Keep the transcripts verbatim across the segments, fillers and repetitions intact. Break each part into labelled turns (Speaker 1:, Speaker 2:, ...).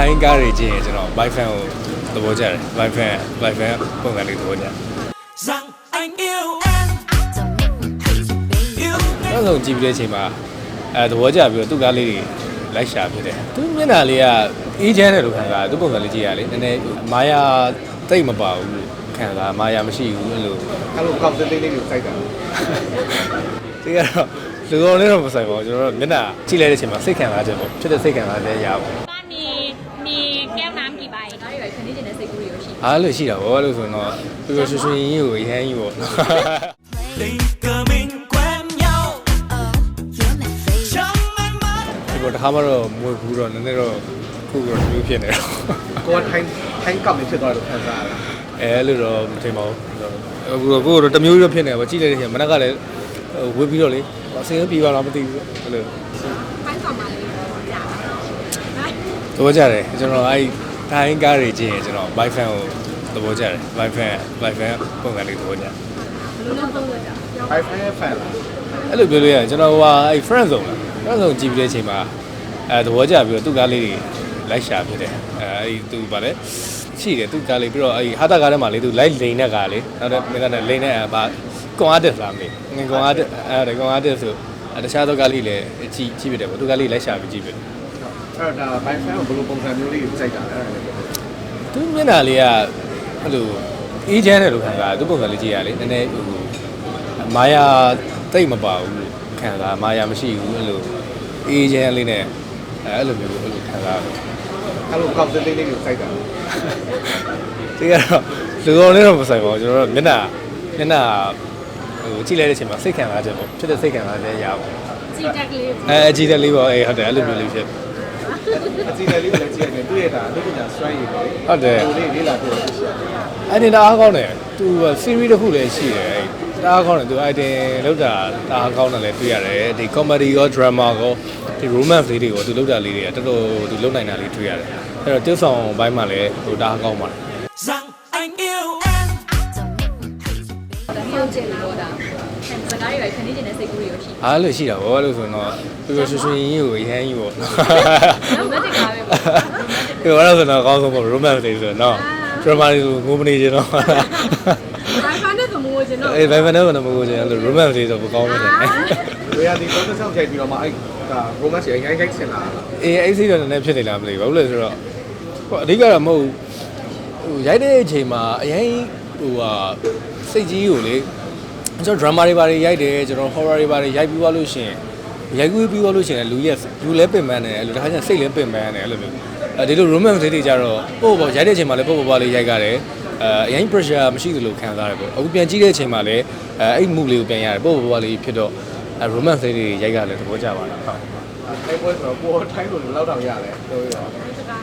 Speaker 1: တိုင်းကားတွေကြည့်ရင်ကျွန်တော် bike fan ကိုသဘောကျတယ် bike fan bike fan ပုံစံလေးသဘောကျတယ်နောက်ဆုံးကြည့်ပြီးတဲ့အချိန်မှာအဲသဘောကျပြီးတော့သူ့ကားလေးတွေလိုက်ရှာဖြစ်တယ်သူမျက်နှာလေးကအေးချမ်းတယ်လို့ခံစားသူ့ပုံစံလေးကြည့်ရလေနည်းနည်းမာယာတိတ်မပါဘူးလို့ခံစားမာယာမရှိဘူးအဲ့လို
Speaker 2: အဲ့လိုကောက်သေးသေးလေးကိုစိုက်တာ
Speaker 1: ဒီကတော့လူကောင်လေးတော့မဆိုင်ပါဘူးကျွန်တော်တို့မျက်နှာကြည့်လိုက်တဲ့အချိန်မှာစိတ်ခံစားချက်ပေါ့ဖြစ်တဲ့စိတ်ခံစားချက်ရပါဘူး
Speaker 3: มีมีแก้วน้ำกี่ใบน้อยๆคนที่จะได้ใส่กุหรี่อยู่ရှိ
Speaker 1: အားလို့ရှိတာဗောလို့ဆိုတော့ပြပြရွှေရွှေရင်းကြီးကိုရမ်းကြီးပေါ့ဒီပေါ်တစ်ခါမှတော့မွေဘူးတော့နည်းနည်းတော့ခုကတော့မျိုးဖြစ်နေတော့
Speaker 2: ကိုယ်ထိုင်းထိုင်းကောက်နေဖြစ်သွားလို့ခံစားရတာ
Speaker 1: အဲလို့တော့မထင်ပါဘူးအခုတော့ကိုကတော့တမျိုးတော့ဖြစ်နေပါကြည့်လိုက်တဲ့ချိန်မနက်ကလည်းဝေးပြီးတော့လေအစင်းပြေးပါလားမသိဘူးအဲ့လို
Speaker 3: ထိုင်းဆောင်ပါလေကြာ
Speaker 1: သဘောကျတယ်ကျွန်တော်အဲ့တိုင်းကားတွေကြည့်ရင်ကျွန်တော် bike fan ကိုသဘောကျတယ် bike fan bike fan ပုံစံလေးသဘောကျတယ်
Speaker 3: ဘယ်လိုလုပ်လို့ကြာ
Speaker 2: bike fan fan လား
Speaker 1: အဲ့လိုပြောလို့ရတယ်ကျွန်တော်ဟိုအဲ့ friend zone လား friend zone ကြည့်ပြီးတဲ့အချိန်မှာအဲသဘောကျပြီးတော့သူ့ကားလေးတွေလိုက်ရှာဖြစ်တယ်အဲအဲ့သူဗါလဲရှိတယ်သူ့ကားလေးပြီးတော့အဲ့ဟာတာကားထဲမှာလေသူ light လိန်တဲ့ကားလေးနောက်တော့မင်းကလည်းလိန်တဲ့ဗာကွန်အားတက်လားမေးငင်ကွန်အားတက်အဲကွန်အားတက်ဆိုတခြားသောကားလေးလည်းကြည့်ကြည့်ပြတယ်ပေါ့သူကားလေးလိုက်ရှာပြီးကြည့်ပြတယ်
Speaker 2: အဲ့တော့ဒါ bike fan ကိုဘယ်လိုပုံစံမျိုးလေးကိုစိုက်တာလဲ
Speaker 1: သူမျက်နှာလေးကအဲ့လိုအေးချမ်းတယ်လို့ခံစားသူ့ပုံစံလေးကြည့်ရလေနည်းနည်းဟိုမာယာတိတ်မပါဘူးလို့ခံစားမာယာမရှိဘူးအဲ့လိုအေးချမ်းလေးနဲ့အဲ့လိုမျိုးအဲ့လိုခံစားတယ်
Speaker 2: အဲ့လိုကောက်သေးသေးလေးကိုစိုက်တာ
Speaker 1: ဒီကတော့လူကောင်လေးတော့မဆိုင်ပါဘူးကျွန်တော်တို့မျက်နှာမျက်နှာဟိုကြည့်လိုက်တဲ့အချိန်မှာစိတ်ခံစားချက်ပေါ့ဖြစ်တဲ့စိတ်ခံစားချက်ရပါဘူး
Speaker 3: ကြည်တက်ကလေး
Speaker 1: အဲအကြည့်တက်လေးပေါ့အေးဟုတ်တယ်အဲ့လိုမျိုးလေးဖြစ်
Speaker 2: အကြည့်တက်လေးကိုလည်းကြည့်ရတယ်တွေ့ရတာလူပညာစွမ်းရည်ပေါ့
Speaker 1: ဟုတ်တယ်
Speaker 2: ဟိုလေးလေးလာပြောလို့ရှိရတယ်
Speaker 1: အဲ့ဒီတအားကောင်းတယ်သူ series တစ်ခုလည်းရှိတယ်အဲ့တအားကောင်းတယ်သူ item လောက်တာတအားကောင်းတယ်လည်းတွေ့ရတယ်ဒီ comedy ရော drama ရောဒီ romance လေးတွေကိုသူလောက်တာလေးတွေကတော်တော်သူလုံနိုင်တာလေးတွေ့ရတယ်အဲ့တော့tiêuဆောင်ဘိုင်းမှာလည်းဟိုတအားကောင်းပါတယ်
Speaker 3: ဟုတ်ကျင်လို့ဒါစကားတွေပဲခဏချင်းနဲ့စိတ်ကူးရရှိ
Speaker 1: အားလို့ရှိတာဗောလို့ဆိုတော့ပြပြရွှေရွှေရင်းကြီးကိုရမ်းကြီးပေါ့
Speaker 3: ရိုမန်တစ်ကားပဲပေါ့
Speaker 1: ဒီကတော့ဆိုတော့အကောင်းဆုံးပေါ့ romance လေးဆိုတော့ drama လေးကိုငိုမနေချင်တော့
Speaker 3: ဘာဖန်တဲ့ကမိုးချင်တော့
Speaker 1: အေးဘာဖန်တဲ့ကမိုးချင်အဲ့လို romance လေးဆိုပိုကောင်းတယ်
Speaker 2: ဝေးရဒီတော့ဆောက်ချိန်ပြီးတော့မှအဲ့ဒါ romance ရိုင်းရိုင်းဆင်လာတာ
Speaker 1: အေးအဲ့စိတ်တော့နည်းနည်းဖြစ်နေလားမသိဘူးဘာလို့လဲဆိုတော့အဓိကတော့မဟုတ်ဟိုရိုက်တဲ့အချိန်မှာအရင်ဟိုဟာစိတ်ကြီးကိုလေကျွန်တော် drama တွေပါတွေရိုက်တယ်ကျွန်တော် horror တွေပါတွေရိုက်ပြီးသွားလို့ရှိရင်ရိုက်ကူးပြီးသွားလို့ရှိရင်လူရဲ့လူလဲပင်ပန်းတယ်အဲ့လိုတခါကျရင်စိတ်လဲပင်ပန်းတယ်အဲ့လိုမျိုးအဲဒီလို romance တွေကြတော့ပို့ပေါ့ရိုက်တဲ့အချိန်မှာလည်းပို့ပေါ့ပေါ့လေးရိုက်ကြတယ်အဲအရင် pressure မရှိသလိုခံစားရတယ်ပေါ့အခုပြန်ကြည့်တဲ့အချိန်မှာလည်းအဲအဲ့ move လေးကိုပြန်ရတယ်ပို့ပေါ့ပေါ့လေးဖြစ်တော့ romance တွေရိုက်ကြတယ်သဘောကျပါတယ်ဟုတ်
Speaker 2: အဲ့ပွဲဆိုတော့ပိုထိုင်းလို့လောက်တော့ရတယ်ပြောရအောင်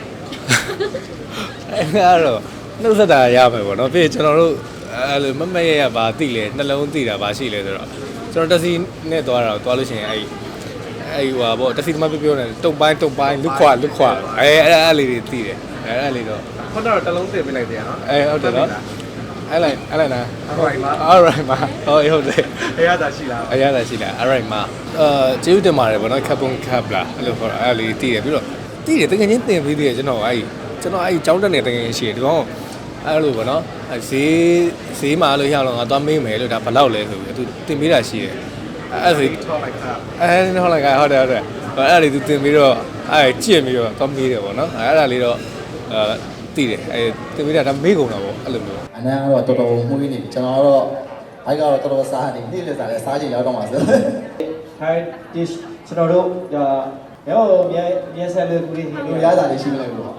Speaker 1: အဲ့တော့နှုတ်ဆက်တာရမယ်ပေါ့နော်ပြီးကျွန်တော်တို့အဲ့လိုမမရရပါသိလဲနှလုံးသိတာပါရှိလဲဆိုတော့ကျွန်တော်တက်စီနဲ့သွားတာသွားလို့ရှိရင်အဲ့အဲ့ဟိုပါပေါ့တက်စီသမားပြောပြောနေတုံပိုင်းတုံပိုင်းလွတ်ခွာလွတ်ခွာအဲအဲ့အဲ့လေးတွေသိတယ်အဲအဲ့လေးတော့
Speaker 2: ခုနကတော့တလုံးသိပေးလိုက်တယ်နော်
Speaker 1: အဲဟုတ်တယ်နော်အဲ့လိုက်အဲ့လိုက်နာ
Speaker 2: alright ပါ
Speaker 1: alright ပါဟုတ်ဟုတ်တယ်
Speaker 2: အရသာရှိလား
Speaker 1: အရသာရှိလား alright ပါအာကျေးဇူးတင်ပါတယ်ဗောနော်ခပ်ပုံခပ်လားအဲ့လိုခေါ်တာအဲ့လေးသိတယ်ပြီးတော့သိတယ်တကယ်ချင်းတင်ပြီးသေးတယ်ကျွန်တော်အဲ့ကျွန်တော်အဲ့ကျောင်းတက်နေတကယ်ချင်းရှိတယ်ဒီကောင်အဲ့လိုပေါ့နော်အဲဈေးဈေးမှာလို့ရအောင်ငါသွားမေးမယ်လို့ဒါဘယ်လောက်လဲဆိုပြီးသူတင်ပေးတာရှိတယ်အဲ့ဒါ
Speaker 2: ထောက်လိုက်တာ
Speaker 1: အဲထောက်လိုက်ကဟုတ်တယ်ဟုတ်တယ်အဲ့ဒါလေးသူတင်ပြီးတော့အဲကြည့်ပြီးတော့သွားမေးတယ်ပေါ့နော်အဲ့ဒါလေးတော့အဲသိတယ်အဲတင်ပေးတာဒါမေးကုန်တာပေါ့အဲ့လိုမျိုး
Speaker 4: အနန်းကတော့တော်တော်မှုေးနေပြီကျွန်တော်ကတော့ဘိုက်ကတော့တော်တော်စားနေနေ့လက်စားလဲစားချင်ရောက်တော့မှာဆို
Speaker 2: ထိုင်းဒီကျွန်တော်တို့ဒါရောမြန်မြန်ဆန်လို့ကူလေး
Speaker 4: ဒီရတာလေးရှိမလဲဘူး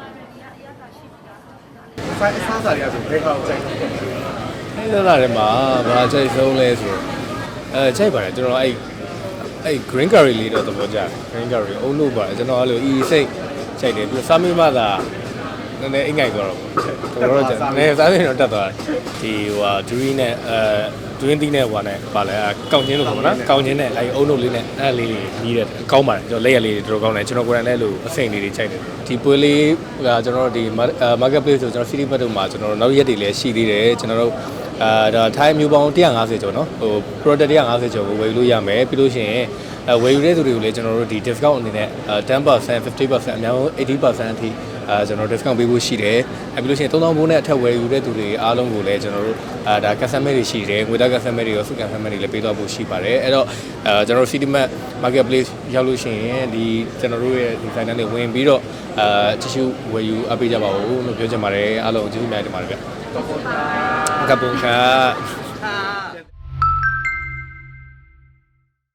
Speaker 2: ဆိုင်အစားစားရဆိုဘယ်ကောက်ကြိုက်
Speaker 1: လဲအဲ့လာတယ်မှာဘာကြိုက်ဆုံးလဲဆိုအဲကြိုက်ပါတယ်ကျွန်တော်အဲ့အဲ့ green curry လေးတော့သဘောကျတယ် green curry အုံလို့ပါတယ်ကျွန်တော်အဲ့လို e စိတ်ကြိုက်တယ်ပြီးစားမိမှသာနည်းနည်းအိမ်ငိုက်သွားတော့တော်တော်ကြာနည်းစားနေတော့တက်သွားတယ်ဒီဟိုဟာ dream နဲ့အဲ dream တီးနဲ့ဟိုဟာနဲ့ပါလဲကောင်းချင်းလို့ပေါ့နော်ကောင်းချင်းနဲ့အဲ့အုံလို့လေးနဲ့အဲ့လေးကြီးတယ်ကောင်းပါတယ်ကျွန်တော်လက်ရလေးတွေတော်တော်ကောင်းတယ်ကျွန်တော်ကိုယ်တိုင်လည်းလို့အစိမ့်လေးတွေကြိုက်တယ်ဒီပွဲလေးကကျွန်တော်တို့ဒီ market place ဆိုကျွန်တော် city mart တို့မှာကျွန်တော်တို့နောက်ရက်တွေလည်းရှိသေးတယ်ကျွန်တော်တို့အာဒါထိုင်းမျိုးပေါင်းone hundred fiftyကျော်နော်ဟို product one hundred fiftyကျော်ကိုဝယ်လို့ရမယ်ပြီးလို့ရှိရင်အဲဝယ်ယူတဲ့သူတွေကိုလည်းကျွန်တော်တို့ဒီ discount အနေနဲ့ten percent fifty percent အများဆုံးeighty percent အထိအဲကျွန်တော် discount ပေးဖို့ရှိတယ်အဲပြီးလို့ရှိရင်သုံးသောင်းဘိုးနဲ့အထက်ဝယ်ယူတဲ့သူတွေအားလုံးကိုလည်းကျွန်တော်တို့အဲဒါ customer တွေရှိတယ်ငွေသား customer တွေရောစု customer တွေလည်းပေးသွားဖို့ရှိပါတယ်အဲ့တော့အဲကျွန်တော်တို့ City Mart Marketplace ရောက်လို့ရှိရင်ဒီကျွန်တော်တို့ရဲ့ဒီ site နဲ့ဝင်ပြီးတော့အဲတ िश ူဝယ်ယူအပ်ပေးကြပါဦးလို့ပြောချင်ပါတယ်အားလုံးကျေးဇူးများတင်ပါတယ်ဗျကပ်ပုံခါ